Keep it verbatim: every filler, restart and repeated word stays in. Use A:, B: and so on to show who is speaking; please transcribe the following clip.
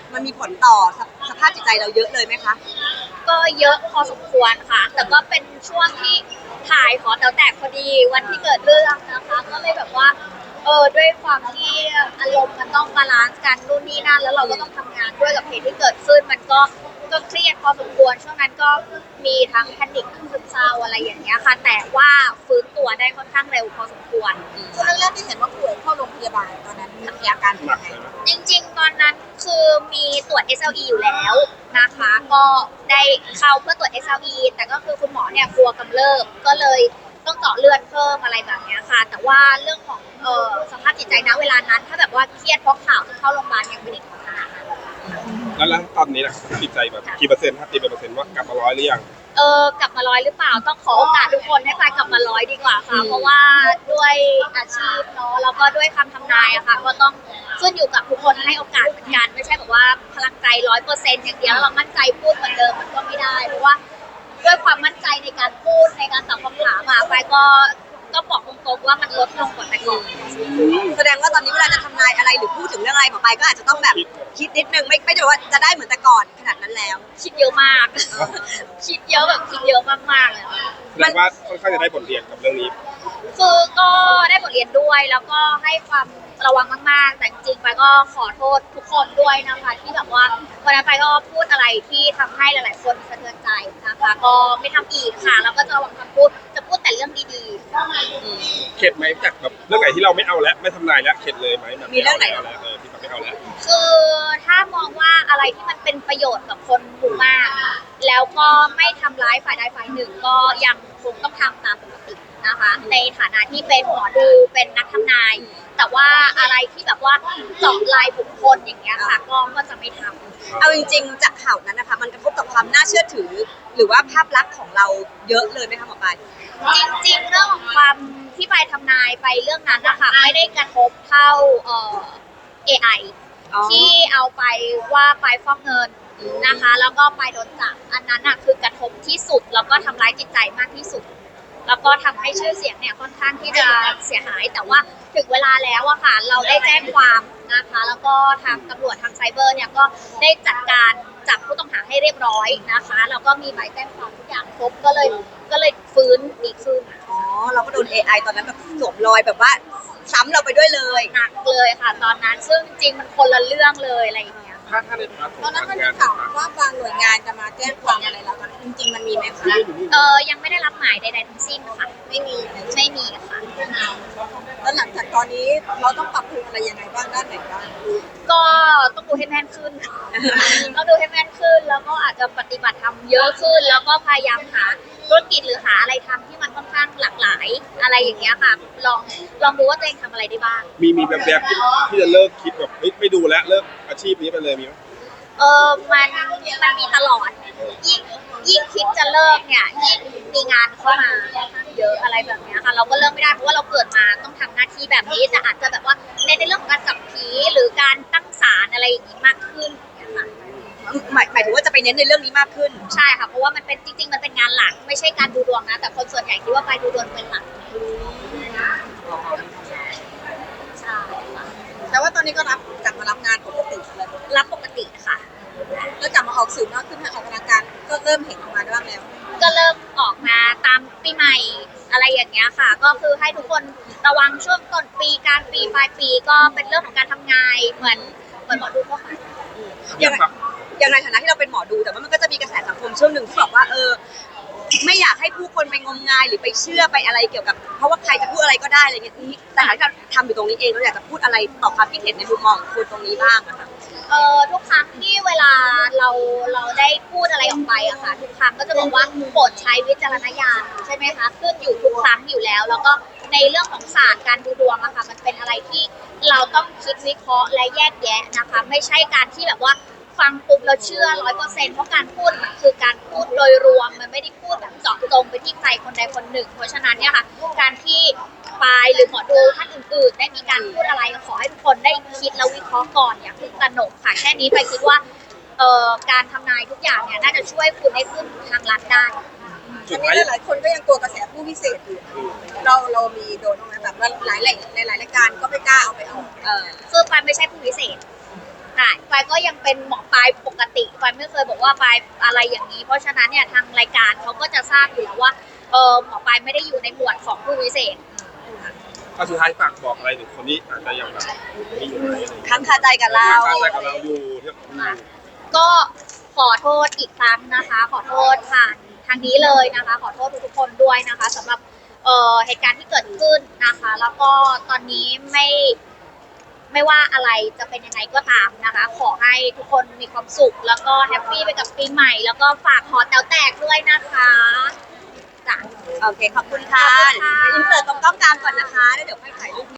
A: มันมีผลต่อสภาพจิตใจเราเยอะเลยไหมคะ
B: ก็เยอะพอสมควรค่ะแต่ก็เป็นช่วงที่ถ่ายหอแต๋วแตกพอดีวันที่เกิดเรื่องนะคะก็เลยแบบว่าเออด้วยความที่อารมณ์มันต้องบาลานซ์กันนู่นนี่นั่นแล้วเราก็ต้องทำงานด้วยกับเหตุที่เกิดขึ้นมันก็ก็เครียดพอสมควรช่วงนั้นก็มีทั้งแพนิคทั้งซึมเศร้าอะไรอย่างเงี้ยค่ะแต่ว่าฟื้นตัวได้ค่อนข้างเร็วพอสมควร
C: ช่วงแรกที่เห็นว่าป่วยเข้าโรงพยาบาลตอนนั้นมีอาการเป็นยังไง
B: จริงๆตอนนั้นคือมีตรวจ เอส แอล อี อยู่แล้วนะคะก็ได้เข้าเพื่อตรวจ เอส แอล อี แต่ก็คือคุณหมอเนี่ยกลัวกำเริบก็เลยต้องเจาะเลือดเพิ่มอะไรแบบนี้ค่ะแต่ว่าเรื่องของเอ่อสภาพจิตใจณเวลานั้นถ้าแบบว่าเครียดเพราะข่าวที่เข้าโรงพยาบาลยังไม่ได้ถึงขนาดนั้น
D: แล้วแล้วตอนนี้นะจิตใจแบบกี่เปอร์เซ็นต์ครับตีเป็นเปอร์เซ็นต์ว่ากลับมาร้อยหรือยัง
B: เออกลับมาร้อยหรือเปล่าต้องขอโอกาสทุกคนให้ไปกลับมาร้อยดีกว่าค่ะเพราะว่าด้วยอาชีพเนาะแล้วก็ด้วยคำทำนายอะค่ะก็ต้องขึ้นอยู่กับทุกคนให้โอกาสเหมือนกันไม่ใช่แบบว่าพลังใจร้อยเปอร์เซ็นต์อย่างเดียวแล้วเรามั่นใจพูดเหมือนเดิมมันก็ไม่ได้เพราะว่าด้วยความมั่นใจในการพูดในการตอบคำถามอะไปก็ก็บอกตรงๆว่ามันลดลงกว่าแต่ก่อน
A: แสดงว่าตอนนี้เวลาจะทำนายอะไรหรือพูดถึงเรื่องอะไรหมอปลายก็อาจจะต้องแบบคิดนิดนึงไม่ไม่ได้ว่าจะได้เหมือนแต่ก่อนขนาดนั้นแล้ว
B: คิดเยอะมากคิดเยอะแบบคิดเยอะมากๆเลย
D: แสดงว่าค่อนข้างจะได้บทเรียนกับเรื่องนี้
B: คือก็ได้บทเรียนด้วยแล้วก็ให้ความระวังมากๆแต่จริงๆไปก็ขอโทษทุกคนด้วยนะคะที่แบบว่าวันนั้นไปก็พูดอะไรที่ทำให้หลายๆคนสะเทือนใจนะคะก็ไม่ทำอีกค่ะแล้วก็จะระวังคำพูดจะพูดแต่เรื่องดี
D: ๆเข็ดไหมจากแบบเรื่องไหนที่เราไม่เอาแล้วไม่ทำนายแล้วเข็ดเลยไหมแบบ
A: มีเรื่องไหน
D: เอาแล้วเออที่แบบไม่เอาแล้ว
B: คือถ้ามองว่าอะไรที่มันเป็นประโยชน์กับคนหมู่มากแล้วก็ไม่ทำร้ายฝ่ายใดฝ่ายหนึ่งก็ยังคงต้องทำตามปกตินะคะในฐานะที่เป็นหมอดูเป็นนักทำนายแต่ว่าอะไรที่แบบว่าเจาะลายบุคคลอย่างเงี้ยค่ะก็ก็จะไม่ทำ
A: เอาจริงๆจากข่าวนั้นนะคะมันกระทบกับความน่าเชื่อถือหรือว่าภาพลักษณ์ของเราเยอะเลยไหมคะหมอปลาย
B: จริงๆเรื่องของความที่ไปทำนายไปเรื่องนั้นนะคะไม่ได้กระทบเท่าเอ่อ เอ ไอ ที่เอาไปว่าไปฟอกเงินนะคะแล้วก็ไปโดนจับอันนั้นน่ะคือกระทบที่สุดแล้วก็ทำร้ายจิตใจมากที่สุดแล้วก็ทำให้ชื่อเสียงเนี่ยค่อนข้างที่จะเสียหายแต่ว่าถึงเวลาแล้วอะค่ะเราได้แจ้งความนะคะแล้วก็ทางตำรวจทางไซเบอร์เนี่ยก็ได้จัดการจับผู้ต้องหาให้เรียบร้อยนะคะแล้วก็มีใบแจ้งความทุกอย่างครบก็เลยก็เลยฟื้นดีขึ้น
A: อ๋อเราก็โดน เอ ไอ ตอนนั้นแบบสวมรอยแบบว่าซ้ำเราไปด้วยเลย
B: หนักเลยค่ะตอนนั้นซึ่งจริงมันคนละเรื่องเลยอะไรอย่างเงี้ย
D: ถ้าถ้าในพาร์ท
C: ตอนนั้นมันมีข่าวว่าบางหน่วยงานจะมาแจ้งความอะไรแล้วจริงๆมันมีไหมคะ
B: เออยังไม่ได้รับหมายใดๆทั้งสิ้นค่ะ
C: ไม่มี
B: ไม่มีค่ะ
C: แล้วหลังจากตอนนี้เราต้องปรับปรุงอะไรยังไงบ้างด้านไหนบ้าง
B: ก็ต้องดูให้แม่นขึ้นต้องดูให้แม่นขึ้นแล้วก็อาจจะปฏิบัติธรรมเยอะขึ้นแล้วก็พยายามหาธุรกิจหรือหาอะไรทำที่มันค่อนข้างหลากหลายอะไรอย่างเงี้ยค่ะลองลองดูว่าตัวเองทำอะไรได้บ้าง
D: มีมีแบบแบบที่จะเลิกคิดแบบไม่ดูแล้วเลิกอาชีพนี้ไปเลยมีไหม
B: เออมันมันมีตลอดยิ่งยิ่งคิดจะเลิกเนี่ยยิ่งมีงานเข้ามาค่อนข้างเยอะอะไรแบบนี้ค่ะเราก็เลิกไม่ได้เพราะว่าเราเกิดมาต้องทำหน้าที่แบบนี้แต่อาจจะแบบว่าในในเรื่องของการจับผีหรือการตั้งศาลอะไรอย่างนี้มากขึ้นนะคะ
A: หมายหมายถึงว่าจะไปเน้นในเรื่องนี้มากขึ้น
B: ใช่ค่ะเพราะว่ามันเป็นจริงๆมันเป็นงานหลักไม่ใช่การดูดวงนะแต่คนส่วนใหญ่คิดว่าไปดูดวงเป็นหลักใช่ค่ะ
C: แต่ว่าตอนนี้ก็รับกลับมารับงานปกติเลย
B: รับปกติค่ะ
C: แล้วกลับมาออกสื่อมากขึ้นออกกำลังกายก็เริ่มเห็นออกมาบ้างแล้ว
B: ก็เริ่มออกมาตามปีใหม่อะไรอย่างเงี้ยค่ะก็คือให้ทุกคนระวังช่วงต้นปีกลางปีปลายปีก็เป็นเรื่องของการทำงานเหมือนเหมือนหมอดูทั่วไป
A: อย่างอย่างในฐานะที่เราเป็นหมอดูแต่ว่ามันก็จะมีกระแสสังคมช่วงหนึ่งที่บอกว่าเออไม่อยากให้ผู้คนไปงมงายหรือไปเชื่อไปอะไรเกี่ยวกับเพราะว่าใครจะพูดอะไรก็ได้อะไรเงี้ยนี้แต่ถ้าเราทำอยู่ตรงนี้เองเราอยากจะพูดอะไรต่อความคิดเห็นในมุมมองของคุณตรงนี้บ้างอะค่ะ
B: เอ่อทุกครั้งที่เวลาเราเราได้พูดอะไรออกไปอะค่ะทุกครั้งก็จะบอกว่าโปรดใช้วิจารณญาณใช่ไหมคะขึ้นอยู่ทุกครั้งอยู่แล้วแล้วก็ในเรื่องของศาสตร์การดูดวงอะค่ะมันเป็นอะไรที่เราต้องคิดวิเคราะห์และแยกแยะนะคะไม่ใช่การที่แบบว่าฟังปุ๊บเราเชื่อร้อยเปอร์เซ็นต์เพราะการพูดมันคือการพูดโดยรวมมันไม่ได้พูดแบบเจาะจงไปที่ใครคนใดคนหนึ่งเพราะฉะนั้นเนี่ยค่ะการที่ปายหรือหมอดูท่านอื่นๆได้มีการพูดอะไรขอให้ทุกคนได้คิดแล้ววิเคราะห์ก่อนอย่าเพิ่งตระหนกค่ะแค่นี้ไปคิดว่าเอ่อการทำนายทุกอย่างเนี่ยน่าจะช่วยคุณได้ขึ้นทางลัดได้
C: อันนี้หลายคนก็ยังกลัวกระแสผู้พิเศษอยู่เราเรามีโดนไหมแบบว่าหลายหลายหลายรายการก็ไม่กล้าเอาไปออก
B: เออคือปายไม่ใช่ผู้พิเศษอ่ะปายก็ยังเป็นหมอปลายปกติปายไม่เคยบอกว่าปายอะไรอย่างนี้ เพราะฉะนั้นเนี่ยทางรายการเขาก็จะทราบอยู่แล้วว่าเออหมอปลายไม่ได้อยู่ในหมวดของผู้วิเศษ
D: ก็สุดท้ายฝากบอกอะไรถึงคนนี้อาจจะยังแบบมีอยู่ในอะไร
A: ค้างคาใจกับเรา
D: ค้างคาใจกับเราอยู่ที่อืม
B: ก็ขอโทษอีกครั้งนะคะ ขอโทษผ่านทางนี้เลยนะคะ ขอโทษทุกๆคนด้วยนะคะสำหรับเอ่อเหตุการณ์ที่เกิดขึ้นนะคะ แล้วก็ตอนนี้ไม่ไม่ว่าอะไรจะเป็นยังไงก็ตามนะคะ ขอให้ทุกคนมีความสุข แล้วก็แฮปปี้ไปกับปีใหม่ แล้วก็ฝากหอแต๋วแตกด้วยนะคะจ้ะ
A: โอเค ขอบคุณค่ะ
B: ขอบคุณค่ะ
A: อินเสิร์ตตรงกล้องกลางก่อนนะคะแล้วเดี๋ยวค่อยถ่ายรูป